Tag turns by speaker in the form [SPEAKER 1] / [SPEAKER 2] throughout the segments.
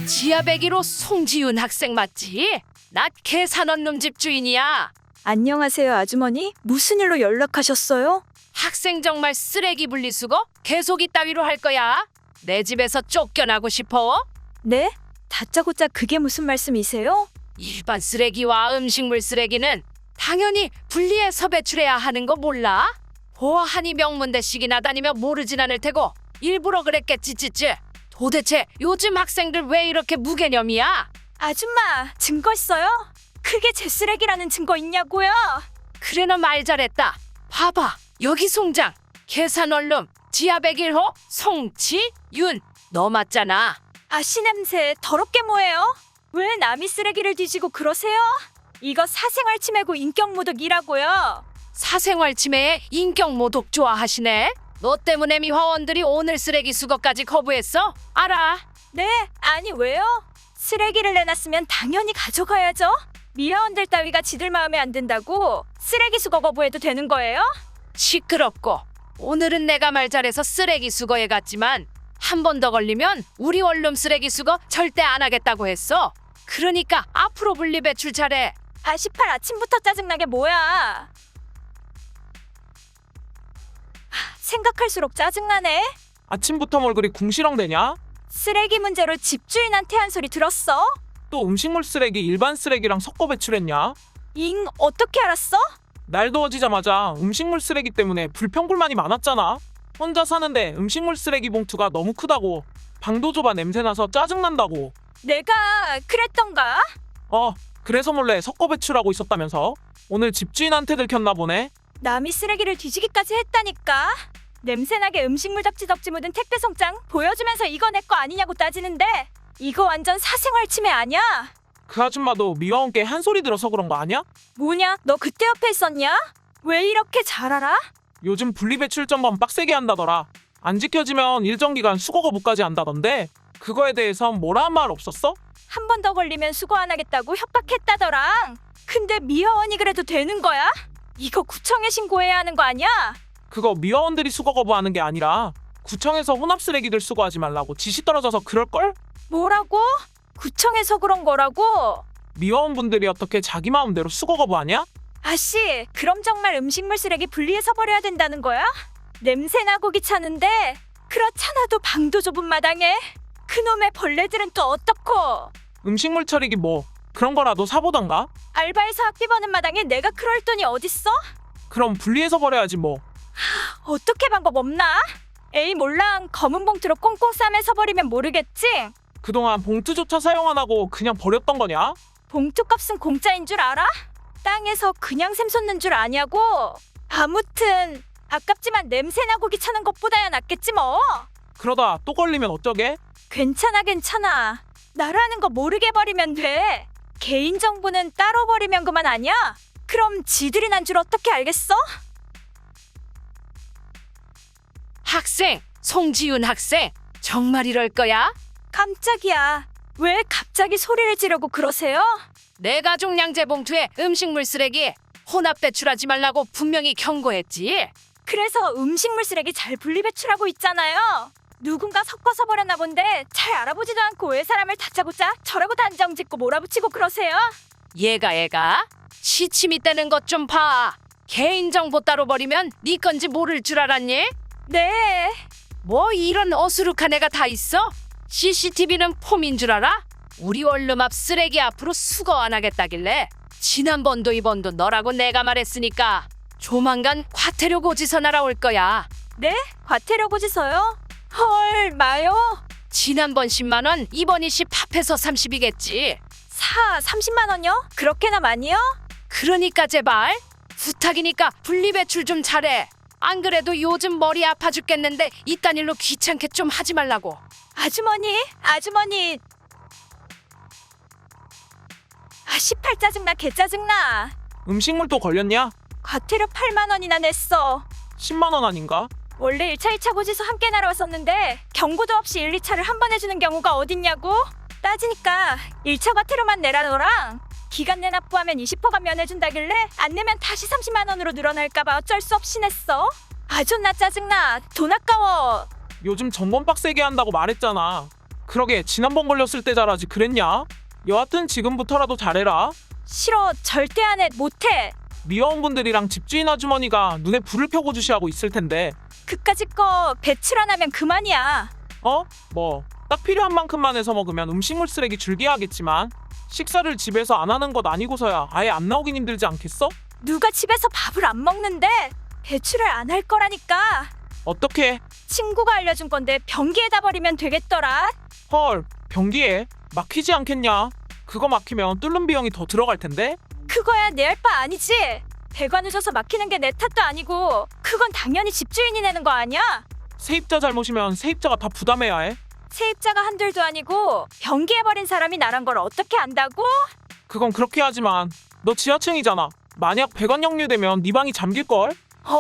[SPEAKER 1] 지하배기로 송지윤 학생 맞지? 나 계산원룸 집주인이야.
[SPEAKER 2] 안녕하세요, 아주머니. 무슨 일로 연락하셨어요?
[SPEAKER 1] 학생 정말 쓰레기 분리수거 계속 이따위로 할 거야. 내 집에서 쫓겨나고 싶어?
[SPEAKER 2] 네? 다짜고짜 그게 무슨 말씀이세요?
[SPEAKER 1] 일반 쓰레기와 음식물 쓰레기는 당연히 분리해서 배출해야 하는 거 몰라? 보아하니 명문대식이나 다니며 모르진 않을 테고 일부러 그랬겠지 찌찌. 도대체 요즘 학생들 왜 이렇게 무개념이야?
[SPEAKER 2] 아줌마, 증거 있어요? 그게 제 쓰레기라는 증거 있냐고요?
[SPEAKER 1] 그래 너 말 잘했다. 봐봐 여기 송장 계산원룸 지하 101호 송지윤 너 맞잖아.
[SPEAKER 2] 아씨 냄새 더럽게 뭐예요? 왜 남이 쓰레기를 뒤지고 그러세요? 이거 사생활 침해고 인격모독이라고요.
[SPEAKER 1] 사생활 침해에 인격 모독 좋아하시네. 너 때문에 미화원들이 오늘 쓰레기 수거까지 거부했어? 알아.
[SPEAKER 2] 네? 아니 왜요? 쓰레기를 내놨으면 당연히 가져가야죠. 미화원들 따위가 지들 마음에 안 든다고 쓰레기 수거 거부해도 되는 거예요?
[SPEAKER 1] 시끄럽고 오늘은 내가 말 잘해서 쓰레기 수거에 갔지만 한 번 더 걸리면 우리 원룸 쓰레기 수거 절대 안 하겠다고 했어. 그러니까 앞으로 분리 배출 잘해.
[SPEAKER 2] 아시팔 아침부터 짜증나게 뭐야. 생각할수록 짜증나네.
[SPEAKER 3] 아침부터 뭘 그리 궁시렁대냐?
[SPEAKER 2] 쓰레기 문제로 집주인한테 한 소리 들었어?
[SPEAKER 3] 또 음식물 쓰레기 일반 쓰레기랑 섞어 배출했냐?
[SPEAKER 2] 잉, 어떻게 알았어?
[SPEAKER 3] 날 더워지자마자 음식물 쓰레기 때문에 불평불만이 많았잖아. 혼자 사는데 음식물 쓰레기 봉투가 너무 크다고, 방도 좁아 냄새나서 짜증난다고.
[SPEAKER 2] 내가 그랬던가?
[SPEAKER 3] 그래서 몰래 섞어 배출하고 있었다면서? 오늘 집주인한테 들켰나 보네.
[SPEAKER 2] 남이 쓰레기를 뒤지기까지 했다니까. 냄새나게 음식물 덕지덕지 묻은 택배 송장 보여주면서 이거 내 거 아니냐고 따지는데 이거 완전 사생활 침해 아니야?
[SPEAKER 3] 그 아줌마도 미화원께 한 소리 들어서 그런 거 아니야?
[SPEAKER 2] 뭐냐? 너 그때 옆에 있었냐? 왜 이렇게 잘 알아?
[SPEAKER 3] 요즘 분리배출 점검 빡세게 한다더라. 안 지켜지면 일정 기간 수거 거부까지 한다던데 그거에 대해선 뭐라 한 말 없었어?
[SPEAKER 2] 한 번 더 걸리면 수거 안 하겠다고 협박했다더랑. 근데 미화원이 그래도 되는 거야? 이거 구청에 신고해야 하는 거 아니야?
[SPEAKER 3] 그거 미화원들이 수거 거부하는 게 아니라 구청에서 혼합 쓰레기들 수거하지 말라고 지시 떨어져서 그럴걸?
[SPEAKER 2] 뭐라고? 구청에서 그런 거라고?
[SPEAKER 3] 미화원분들이 어떻게 자기 마음대로 수거 거부하냐?
[SPEAKER 2] 아씨, 그럼 정말 음식물 쓰레기 분리해서 버려야 된다는 거야? 냄새나고 귀찮은데 그렇잖아도 방도 좁은 마당에 그놈의 벌레들은 또 어떻고?
[SPEAKER 3] 음식물 처리기 뭐 그런 거라도 사보던가?
[SPEAKER 2] 알바해서 학비 버는 마당에 내가 그럴 돈이 어딨어?
[SPEAKER 3] 그럼 분리해서 버려야지 뭐.
[SPEAKER 2] 어떻게 방법 없나? 에이 몰랑 검은 봉투로 꽁꽁 싸매서 버리면 모르겠지?
[SPEAKER 3] 그동안 봉투조차 사용 안 하고 그냥 버렸던 거냐?
[SPEAKER 2] 봉투값은 공짜인 줄 알아? 땅에서 그냥 샘솟는 줄 아냐고? 아무튼 아깝지만 냄새나고 귀찮은 것보다야 낫겠지 뭐.
[SPEAKER 3] 그러다 또 걸리면 어쩌게?
[SPEAKER 2] 괜찮아. 나라는 거 모르게 버리면 돼. 개인정보는 따로 버리면 그만 아니야? 그럼 지들이 난 줄 어떻게 알겠어?
[SPEAKER 1] 학생 송지윤 학생 정말 이럴 거야?
[SPEAKER 2] 깜짝이야. 왜 갑자기 소리를 지르고 그러세요?
[SPEAKER 1] 내 가족 양재 봉투에 음식물 쓰레기 혼합 배출하지 말라고 분명히 경고했지.
[SPEAKER 2] 그래서 음식물 쓰레기 잘 분리배출하고 있잖아요. 누군가 섞어서 버렸나 본데 잘 알아보지도 않고 왜 사람을 다짜고짜 저라고 단정 짓고 몰아붙이고 그러세요?
[SPEAKER 1] 얘가 시침이 떼는 것 좀 봐. 개인정보 따로 버리면 네 건지 모를 줄 알았니?
[SPEAKER 2] 네.
[SPEAKER 1] 뭐 이런 어수룩한 애가 다 있어? CCTV는 폼인 줄 알아? 우리 원룸 앞 쓰레기 앞으로 수거 안 하겠다길래 지난번도 이번도 너라고 내가 말했으니까 조만간 과태료 고지서 날아올 거야.
[SPEAKER 2] 네? 과태료 고지서요? 헐, 마요?
[SPEAKER 1] 지난번 10만 원, 이번 20 합해서 30이겠지.
[SPEAKER 2] 30만 원요? 그렇게나 많이요?
[SPEAKER 1] 그러니까 제발 부탁이니까 분리배출 좀 잘해. 안 그래도 요즘 머리 아파 죽겠는데 이딴 일로 귀찮게 좀 하지 말라고.
[SPEAKER 2] 아주머니. 아, 18 짜증나, 개 짜증나.
[SPEAKER 3] 음식물 또 걸렸냐?
[SPEAKER 2] 과태료 8만 원이나 냈어.
[SPEAKER 3] 10만 원 아닌가?
[SPEAKER 2] 원래 1차, 2차 고지서 함께 날아왔었는데 경고도 없이 1, 2차를 한 번 해주는 경우가 어딨냐고? 따지니까 1차 과태료만 내라더랑 기간 내 납부하면 20%가 면해준다길래 안 내면 다시 30만 원으로 늘어날까봐 어쩔 수 없이 냈어. 아 존나 짜증나. 돈 아까워.
[SPEAKER 3] 요즘 점검 빡세게 한다고 말했잖아. 그러게 지난번 걸렸을 때 잘하지 그랬냐? 여하튼 지금부터라도 잘해라.
[SPEAKER 2] 싫어, 절대 안 해, 못해.
[SPEAKER 3] 미화원분들이랑 집주인 아주머니가 눈에 불을 펴고 주시하고 있을 텐데.
[SPEAKER 2] 그까짓 거 배출 안 하면 그만이야.
[SPEAKER 3] 뭐 딱 필요한 만큼만 해서 먹으면 음식물 쓰레기 줄기야 하겠지만 식사를 집에서 안 하는 것 아니고서야 아예 안 나오긴 힘들지 않겠어?
[SPEAKER 2] 누가 집에서 밥을 안 먹는데 배출을 안 할 거라니까.
[SPEAKER 3] 어떻게?
[SPEAKER 2] 친구가 알려준 건데 변기에다 버리면 되겠더라.
[SPEAKER 3] 헐, 변기에 막히지 않겠냐? 그거 막히면 뚫는 비용이 더 들어갈 텐데?
[SPEAKER 2] 그거야 내 할 바 아니지. 배가 늦어서 막히는 게 내 탓도 아니고 그건 당연히 집주인이 내는 거 아니야?
[SPEAKER 3] 세입자 잘못이면 세입자가 다 부담해야 해.
[SPEAKER 2] 세입자가 한둘도 아니고 변기에 버린 사람이 나란 걸 어떻게 안다고?
[SPEAKER 3] 그건 그렇게 하지만 너 지하층이잖아. 만약 배관 역류되면 네 방이 잠길걸?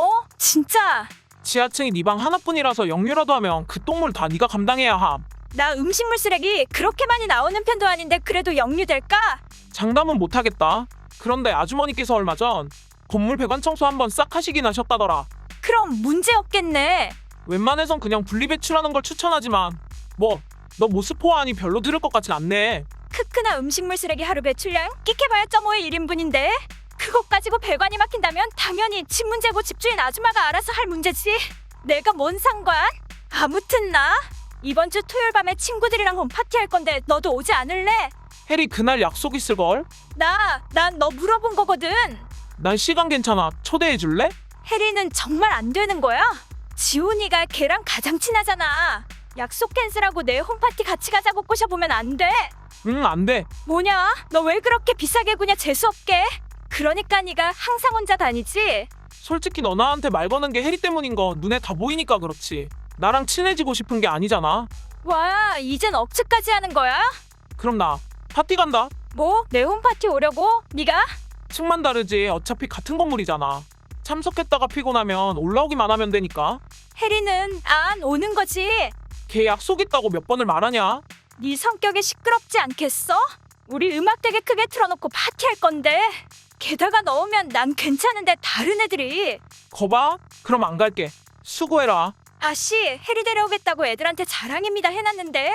[SPEAKER 2] 진짜?
[SPEAKER 3] 지하층이 네 방 하나뿐이라서 역류라도 하면 그 똥물 다 네가 감당해야 함.
[SPEAKER 2] 나 음식물 쓰레기 그렇게 많이 나오는 편도 아닌데 그래도 역류될까?
[SPEAKER 3] 장담은 못하겠다. 그런데 아주머니께서 얼마 전 건물 배관 청소 한번 싹 하시긴 하셨다더라.
[SPEAKER 2] 그럼 문제 없겠네.
[SPEAKER 3] 웬만해선 그냥 분리배출하는 걸 추천하지만 너 모스포아하니 별로 들을 것 같진 않네.
[SPEAKER 2] 크크나 음식물 쓰레기 하루 배출량 끼케봐야 0.5의 1인분인데 그것 가지고 배관이 막힌다면 당연히 집 문제고 집주인 아줌마가 알아서 할 문제지. 내가 뭔 상관? 아무튼 나 이번 주 토요일 밤에 친구들이랑 홈파티 할 건데 너도 오지 않을래?
[SPEAKER 3] 해리 그날 약속 있을걸?
[SPEAKER 2] 난 너 물어본 거거든.
[SPEAKER 3] 난 시간 괜찮아. 초대해줄래?
[SPEAKER 2] 혜리는 정말 안 되는 거야? 지훈이가 걔랑 가장 친하잖아. 약속 캔슬하고 내 홈파티 같이 가자고 꼬셔보면 안 돼?
[SPEAKER 3] 응, 안 돼.
[SPEAKER 2] 뭐냐? 너 왜 그렇게 비싸게 구냐 재수없게? 그러니까 네가 항상 혼자 다니지?
[SPEAKER 3] 솔직히 너 나한테 말 거는 게 해리 때문인 거 눈에 다 보이니까 그렇지. 나랑 친해지고 싶은 게 아니잖아.
[SPEAKER 2] 와, 이젠 억측까지 하는 거야?
[SPEAKER 3] 그럼 나 파티 간다.
[SPEAKER 2] 뭐? 내 홈파티 오려고? 네가?
[SPEAKER 3] 층만 다르지 어차피 같은 건물이잖아. 참석했다가 피곤하면 올라오기만 하면 되니까.
[SPEAKER 2] 혜리는 안 오는 거지?
[SPEAKER 3] 걔 약속 있다고 몇 번을 말하냐?
[SPEAKER 2] 네 성격에 시끄럽지 않겠어? 우리 음악 되게 크게 틀어놓고 파티할 건데 게다가 넣으면 난 괜찮은데 다른 애들이
[SPEAKER 3] 거봐? 그럼 안 갈게. 수고해라.
[SPEAKER 2] 아씨 혜리 데려오겠다고 애들한테 자랑입니다 해놨는데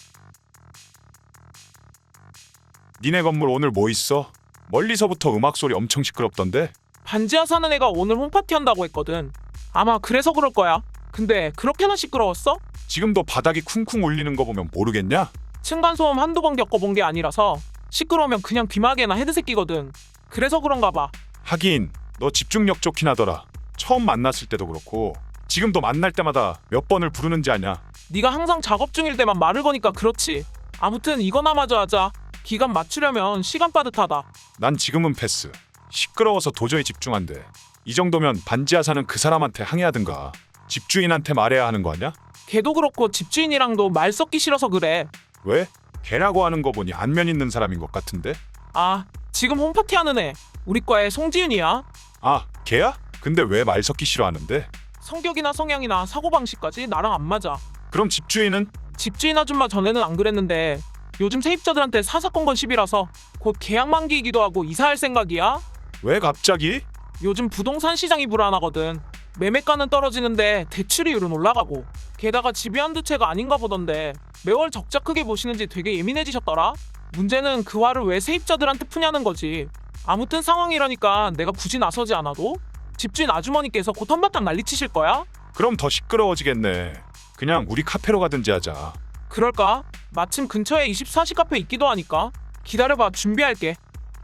[SPEAKER 4] 니네 건물 오늘 뭐 있어? 멀리서부터 음악 소리 엄청 시끄럽던데?
[SPEAKER 3] 반지하 사는 애가 오늘 홈파티 한다고 했거든. 아마 그래서 그럴 거야. 근데 그렇게나 시끄러웠어?
[SPEAKER 4] 지금도 바닥이 쿵쿵 울리는 거 보면 모르겠냐?
[SPEAKER 3] 층간소음 한두 번 겪어본 게 아니라서 시끄러우면 그냥 귀마개나 헤드셋 끼거든. 그래서 그런가 봐.
[SPEAKER 4] 하긴 너 집중력 좋긴 하더라. 처음 만났을 때도 그렇고 지금도 만날 때마다 몇 번을 부르는지 아냐?
[SPEAKER 3] 네가 항상 작업 중일 때만 말을 거니까 그렇지. 아무튼 이거나 마저 하자. 기간 맞추려면 시간 빠듯하다.
[SPEAKER 4] 난 지금은 패스. 시끄러워서 도저히 집중 안 돼. 이 정도면 반지하 사는 그 사람한테 항의하든가 집주인한테 말해야 하는 거 아냐?
[SPEAKER 3] 걔도 그렇고 집주인이랑도 말 섞기 싫어서 그래.
[SPEAKER 4] 왜? 걔라고 하는 거 보니 안면 있는 사람인 것 같은데?
[SPEAKER 3] 아, 지금 홈파티 하는 애. 우리 과의 송지윤이야.
[SPEAKER 4] 아, 걔야? 근데 왜 말 섞기 싫어하는데?
[SPEAKER 3] 성격이나 성향이나 사고방식까지 나랑 안 맞아.
[SPEAKER 4] 그럼 집주인은?
[SPEAKER 3] 집주인 아줌마 전에는 안 그랬는데 요즘 세입자들한테 사사건건 시비라서 곧 계약 만기이기도 하고 이사할 생각이야.
[SPEAKER 4] 왜 갑자기?
[SPEAKER 3] 요즘 부동산 시장이 불안하거든. 매매가는 떨어지는데 대출이율은 올라가고 게다가 집이 한두 채가 아닌가 보던데 매월 적자 크게 보시는지 되게 예민해지셨더라. 문제는 그 화를 왜 세입자들한테 푸냐는 거지. 아무튼 상황이라니까 내가 굳이 나서지 않아도 집주인 아주머니께서 곧 한바탕 난리치실 거야.
[SPEAKER 4] 그럼 더 시끄러워지겠네. 그냥 우리 카페로 가든지 하자.
[SPEAKER 3] 그럴까? 마침 근처에 24시 카페 있기도 하니까. 기다려봐, 준비할게.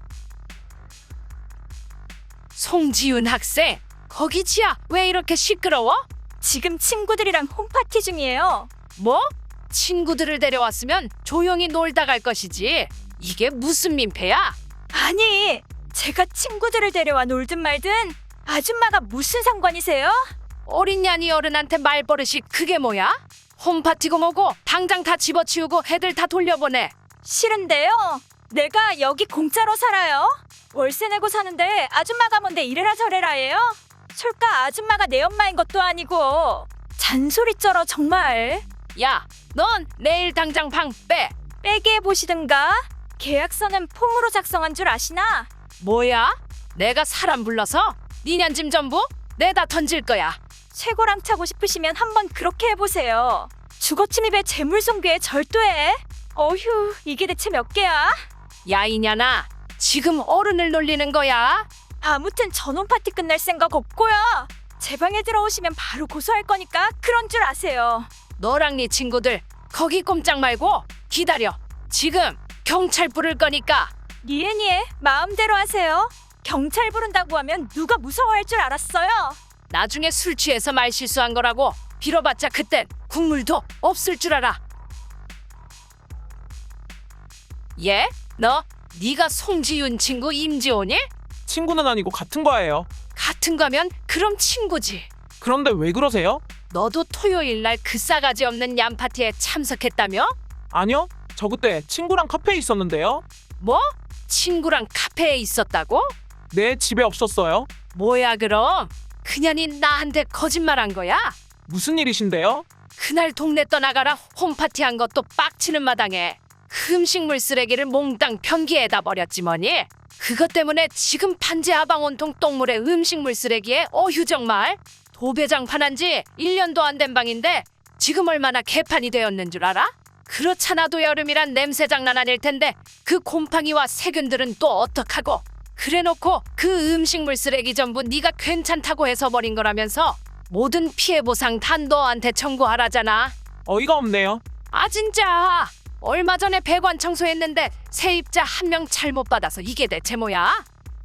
[SPEAKER 1] 송지윤 학생, 거기 지하 왜 이렇게 시끄러워?
[SPEAKER 2] 지금 친구들이랑 홈파티 중이에요.
[SPEAKER 1] 뭐? 친구들을 데려왔으면 조용히 놀다 갈 것이지. 이게 무슨 민폐야?
[SPEAKER 2] 아니 제가 친구들을 데려와 놀든 말든 아줌마가 무슨 상관이세요?
[SPEAKER 1] 어린 년이 어른한테 말버릇이 그게 뭐야? 홈파티고 뭐고 당장 다 집어치우고 애들 다 돌려보내.
[SPEAKER 2] 싫은데요. 내가 여기 공짜로 살아요. 월세 내고 사는데 아줌마가 뭔데 이래라 저래라 해요? 솔까 아줌마가 내 엄마인 것도 아니고 잔소리 쩔어 정말.
[SPEAKER 1] 야, 넌 내일 당장 방 빼.
[SPEAKER 2] 빼게 해보시든가. 계약서는 폼으로 작성한 줄 아시나?
[SPEAKER 1] 뭐야? 내가 사람 불러서 니년 짐 전부 내다 던질 거야.
[SPEAKER 2] 최고랑 차고 싶으시면 한번 그렇게 해보세요. 주거침입에 재물손괴에 절도해. 어휴, 이게 대체 몇 개야?
[SPEAKER 1] 야 이년아, 지금 어른을 놀리는 거야?
[SPEAKER 2] 아무튼 전원 파티 끝날 생각 없고요. 제 방에 들어오시면 바로 고소할 거니까 그런 줄 아세요.
[SPEAKER 1] 너랑 네 친구들 거기 꼼짝 말고 기다려. 지금 경찰 부를 거니까.
[SPEAKER 2] 니에니에 마음대로 하세요. 경찰 부른다고 하면 누가 무서워할 줄 알았어요.
[SPEAKER 1] 나중에 술 취해서 말 실수한 거라고 빌어봤자 그땐 국물도 없을 줄 알아. 예? 네가 송지윤 친구 임지호니?
[SPEAKER 3] 친구는 아니고 같은 과예요.
[SPEAKER 1] 같은 거면 그럼 친구지.
[SPEAKER 3] 그런데 왜 그러세요?
[SPEAKER 1] 너도 토요일 날 그 싸가지 없는 얌 파티에 참석했다며?
[SPEAKER 3] 아니요. 저 그때 친구랑 카페에 있었는데요.
[SPEAKER 1] 뭐? 친구랑 카페에 있었다고?
[SPEAKER 3] 네, 집에 없었어요.
[SPEAKER 1] 뭐야 그럼? 그년이 나한테 거짓말한 거야?
[SPEAKER 3] 무슨 일이신데요?
[SPEAKER 1] 그날 동네 떠나가라 홈파티 한 것도 빡치는 마당에 그 음식물 쓰레기를 몽땅 변기에다 버렸지 뭐니? 그것 때문에 지금 반지 하방 온통 똥물에 음식물 쓰레기에 어휴 정말 도배장 한 지 1년도 안 된 방인데 지금 얼마나 개판이 되었는 줄 알아? 그렇잖아도 여름이란 냄새 장난 아닐 텐데 그 곰팡이와 세균들은 또 어떡하고 그래놓고 그 음식물 쓰레기 전부 네가 괜찮다고 해서 버린 거라면서 모든 피해 보상 다 너한테 청구하라잖아.
[SPEAKER 3] 어이가 없네요.
[SPEAKER 1] 아 진짜 얼마 전에 배관 청소했는데 세입자 한 명 잘못 받아서 이게 대체 뭐야?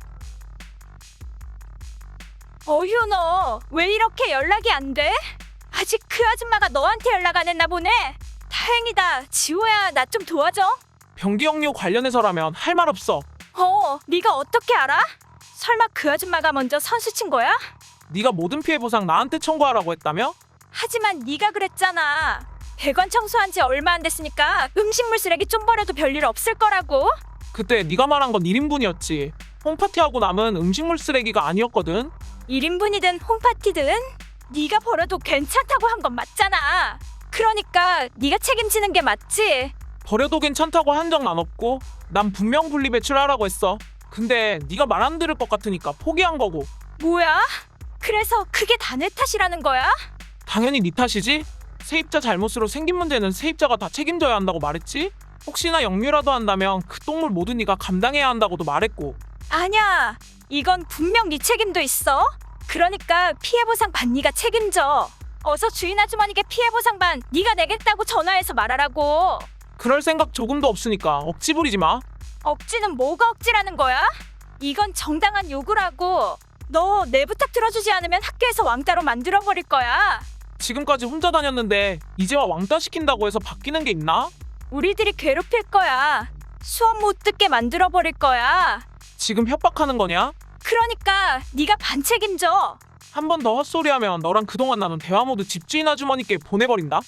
[SPEAKER 2] 어휴, 너 왜 이렇게 연락이 안 돼? 아직 그 아줌마가 너한테 연락 안 했나 보네. 다행이다. 지호야, 나 좀 도와줘.
[SPEAKER 3] 변기역류 관련해서라면 할 말 없어.
[SPEAKER 2] 네가 어떻게 알아? 설마 그 아줌마가 먼저 선수 친 거야?
[SPEAKER 3] 네가 모든 피해 보상 나한테 청구하라고 했다며?
[SPEAKER 2] 하지만 네가 그랬잖아. 배관 청소한 지 얼마 안 됐으니까 음식물 쓰레기 좀 버려도 별일 없을 거라고.
[SPEAKER 3] 그때 네가 말한 건 1인분이었지. 홈파티하고 남은 음식물 쓰레기가 아니었거든.
[SPEAKER 2] 1인분이든 홈파티든 네가 버려도 괜찮다고 한 건 맞잖아. 그러니까 네가 책임지는 게 맞지.
[SPEAKER 3] 버려도 괜찮다고 한 적은 안 없고 난 분명 분리배출하라고 했어. 근데 네가 말 안 들을 것 같으니까 포기한 거고.
[SPEAKER 2] 뭐야? 그래서 그게 다 내 탓이라는 거야?
[SPEAKER 3] 당연히 네 탓이지. 세입자 잘못으로 생긴 문제는 세입자가 다 책임져야 한다고 말했지. 혹시나 역류라도 한다면 그 똥물 모두 네가 감당해야 한다고도 말했고.
[SPEAKER 2] 아니야. 이건 분명 네 책임도 있어. 그러니까 피해보상 반 네가 책임져. 어서 주인 아주머니께 피해보상 반 네가 내겠다고 전화해서 말하라고.
[SPEAKER 3] 그럴 생각 조금도 없으니까 억지 부리지 마.
[SPEAKER 2] 억지는 뭐가 억지라는 거야? 이건 정당한 요구라고. 너 내 부탁 들어주지 않으면 학교에서 왕따로 만들어버릴 거야.
[SPEAKER 3] 지금까지 혼자 다녔는데 이제와 왕따 시킨다고 해서 바뀌는 게 있나?
[SPEAKER 2] 우리들이 괴롭힐 거야. 수업 못 듣게 만들어버릴 거야.
[SPEAKER 3] 지금 협박하는 거냐?
[SPEAKER 2] 그러니까 네가 반 책임져.
[SPEAKER 3] 한 번 더 헛소리하면 너랑 그동안 나눈 대화 모두 집주인 아주머니께 보내버린다.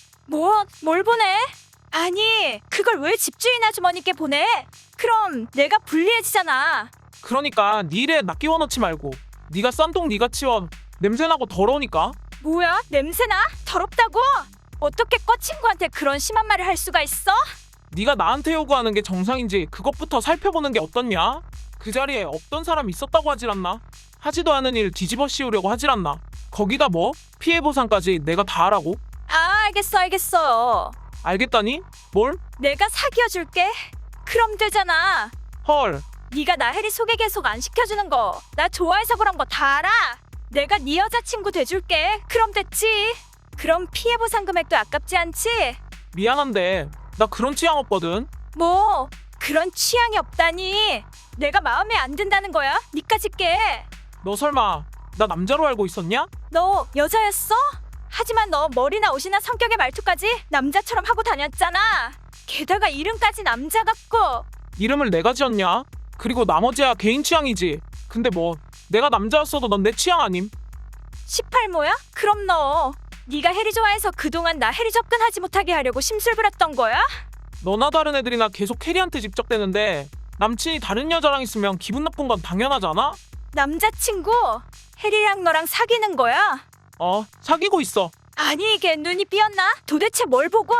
[SPEAKER 2] 뭘 보내? 아니, 그걸 왜 집주인 아주머니께 보내? 그럼 내가 불리해지잖아.
[SPEAKER 3] 그러니까 네 일에 나 끼워넣지 말고 네가 싼 똥 네가 치워. 냄새나고 더러우니까.
[SPEAKER 2] 뭐야? 냄새나? 더럽다고? 어떻게 꿔친구한테 그런 심한 말을 할 수가 있어?
[SPEAKER 3] 네가 나한테 요구하는 게 정상인지 그것부터 살펴보는 게 어떻냐? 그 자리에 없던 사람 있었다고 하질 않나? 하지도 않은 일 뒤집어 씌우려고 하질 않나? 거기다 뭐? 피해 보상까지 내가 다 하라고?
[SPEAKER 2] 아, 알겠어.
[SPEAKER 3] 알겠다니? 뭘?
[SPEAKER 2] 내가 사귀어줄게. 그럼 되잖아.
[SPEAKER 3] 헐.
[SPEAKER 2] 네가 나혜리 소개 계속 안 시켜주는 거 나 좋아해서 그런 거 다 알아. 내가 네 여자친구 돼줄게. 그럼 됐지. 그럼 피해 보상 금액도 아깝지 않지?
[SPEAKER 3] 미안한데 나 그런 취향 없거든.
[SPEAKER 2] 뭐 그런 취향이 없다니. 내가 마음에 안 든다는 거야? 니까짓 게.
[SPEAKER 3] 너 설마 나 남자로 알고 있었냐?
[SPEAKER 2] 너 여자였어? 하지만 너 머리나 옷이나 성격의 말투까지 남자처럼 하고 다녔잖아. 게다가 이름까지 남자 같고.
[SPEAKER 3] 이름을 내가 지었냐? 그리고 나머지야 개인 취향이지. 근데 뭐 내가 남자였어도 넌 내 취향 아님?
[SPEAKER 2] 18모야? 그럼 너 네가 혜리 좋아해서 그동안 나 혜리 접근하지 못하게 하려고 심술 부렸던 거야?
[SPEAKER 3] 너나 다른 애들이나 계속 캐리한테 집적대는데 남친이 다른 여자랑 있으면 기분 나쁜 건 당연하잖아?
[SPEAKER 2] 남자친구? 혜리랑 너랑 사귀는 거야?
[SPEAKER 3] 사귀고 있어.
[SPEAKER 2] 아니 이게 눈이 삐었나? 도대체 뭘 보고?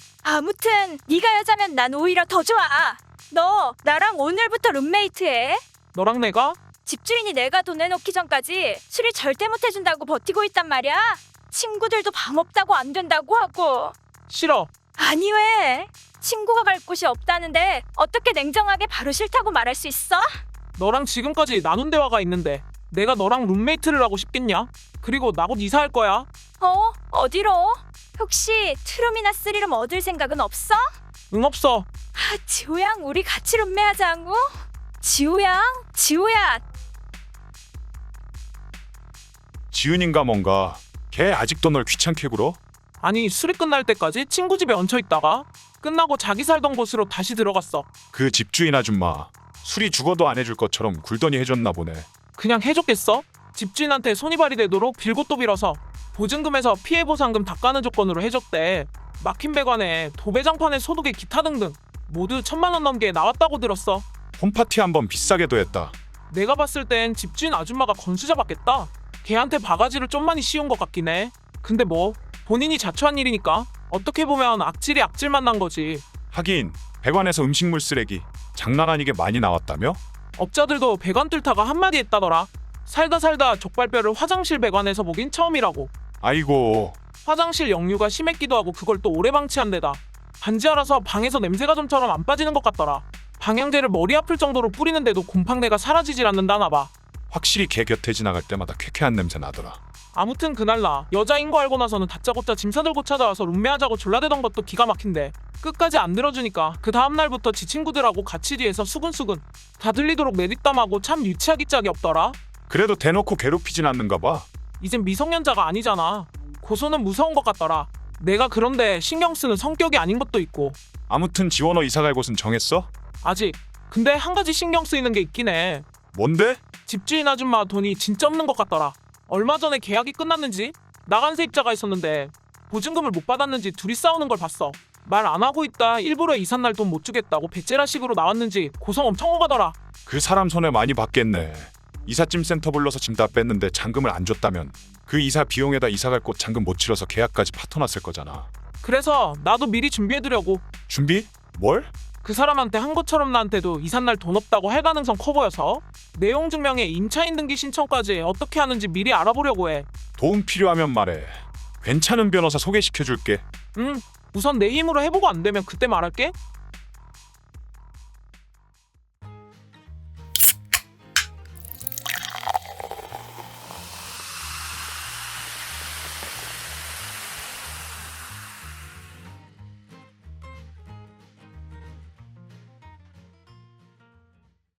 [SPEAKER 2] 아무튼 네가 여자면 난 오히려 더 좋아. 너 나랑 오늘부터 룸메이트해.
[SPEAKER 3] 너랑 내가?
[SPEAKER 2] 집주인이 내가 돈 내놓기 전까지 수리 절대 못 해준다고 버티고 있단 말이야. 친구들도 방 없다고 안 된다고 하고.
[SPEAKER 3] 싫어.
[SPEAKER 2] 아니 왜? 친구가 갈 곳이 없다는데 어떻게 냉정하게 바로 싫다고 말할 수 있어?
[SPEAKER 3] 너랑 지금까지 나눈 대화가 있는데 내가 너랑 룸메이트를 하고 싶겠냐? 그리고 나 곧 이사할 거야.
[SPEAKER 2] 어디로? 혹시 투룸이나 쓰리룸 얻을 생각은 없어?
[SPEAKER 3] 응, 없어.
[SPEAKER 2] 아, 지호양 우리 같이 룸메하자고? 지호양? 지호야
[SPEAKER 4] 지은인가 뭔가. 걔 아직도 널 귀찮게 굴어?
[SPEAKER 3] 아니, 술이 끝날 때까지 친구 집에 얹혀 있다가 끝나고 자기 살던 곳으로 다시 들어갔어.
[SPEAKER 4] 그 집주인 아줌마 술이 죽어도 안 해줄 것처럼 굴더니 해줬나 보네.
[SPEAKER 3] 그냥 해줬겠어? 집주인한테 손이발이 되도록 빌고 또 빌어서 보증금에서 피해보상금 닦아는 조건으로 해줬대. 막힌 배관에 도배장판에 소독에 기타 등등 모두 1,000만 원 넘게 나왔다고 들었어.
[SPEAKER 4] 홈파티 한번 비싸게도 했다.
[SPEAKER 3] 내가 봤을 땐 집주인 아줌마가 건수 잡았겠다. 걔한테 바가지를 좀 많이 씌운 것 같긴 해. 근데 뭐 본인이 자초한 일이니까 어떻게 보면 악질이 악질만 난 거지.
[SPEAKER 4] 하긴 배관에서 음식물 쓰레기 장난 아니게 많이 나왔다며?
[SPEAKER 3] 업자들도 배관 뚫다가 한마디 했다더라. 살다 족발뼈를 화장실 배관에서 보긴 처음이라고.
[SPEAKER 4] 아이고,
[SPEAKER 3] 화장실 역류가 심했기도 하고 그걸 또 오래 방치한 데다 반지 알아서 방에서 냄새가 좀처럼 안 빠지는 것 같더라. 방향제를 머리 아플 정도로 뿌리는데도 곰팡내가 사라지질 않는다나 봐.
[SPEAKER 4] 확실히 걔 곁에 지나갈 때마다 쾌쾌한 냄새 나더라.
[SPEAKER 3] 아무튼 그날 나 여자인 거 알고 나서는 다짜고짜 짐 싸들고 찾아와서 룸메하자고 졸라대던 것도 기가 막힌데 끝까지 안 들어주니까 그 다음날부터 지 친구들하고 같이 뒤에서 수근수근 다 들리도록 내뒷담하고 참 유치하기 짝이 없더라.
[SPEAKER 4] 그래도 대놓고 괴롭히진 않는가 봐.
[SPEAKER 3] 이젠 미성년자가 아니잖아. 고소는 무서운 것 같더라. 내가 그런데 신경 쓰는 성격이 아닌 것도 있고.
[SPEAKER 4] 아무튼 지원어 이사갈 곳은 정했어?
[SPEAKER 3] 아직. 근데 한 가지 신경 쓰이는 게 있긴 해.
[SPEAKER 4] 뭔데?
[SPEAKER 3] 집주인 아줌마 돈이 진짜 없는 것 같더라. 얼마 전에 계약이 끝났는지 나간 세입자가 있었는데 보증금을 못 받았는지 둘이 싸우는 걸 봤어. 말 안 하고 있다 일부러 이삿날 돈 못 주겠다고 배째라식으로 나왔는지 고성 엄청 오가더라.
[SPEAKER 4] 그 사람 손해 많이 받겠네. 이삿짐 센터 불러서 짐 다 뺐는데 잔금을 안 줬다면 그 이사 비용에다 이사갈 곳 잔금 못 치러서 계약까지 파토났을 거잖아.
[SPEAKER 3] 그래서 나도 미리 준비해두려고.
[SPEAKER 4] 준비? 뭘?
[SPEAKER 3] 그 사람한테 한 것처럼 나한테도 이삿날 돈 없다고 할 가능성 커 보여서 내용 증명에 임차인 등기 신청까지 어떻게 하는지 미리 알아보려고 해.
[SPEAKER 4] 도움 필요하면 말해. 괜찮은 변호사 소개시켜줄게.
[SPEAKER 3] 우선 내 힘으로 해보고 안 되면 그때 말할게.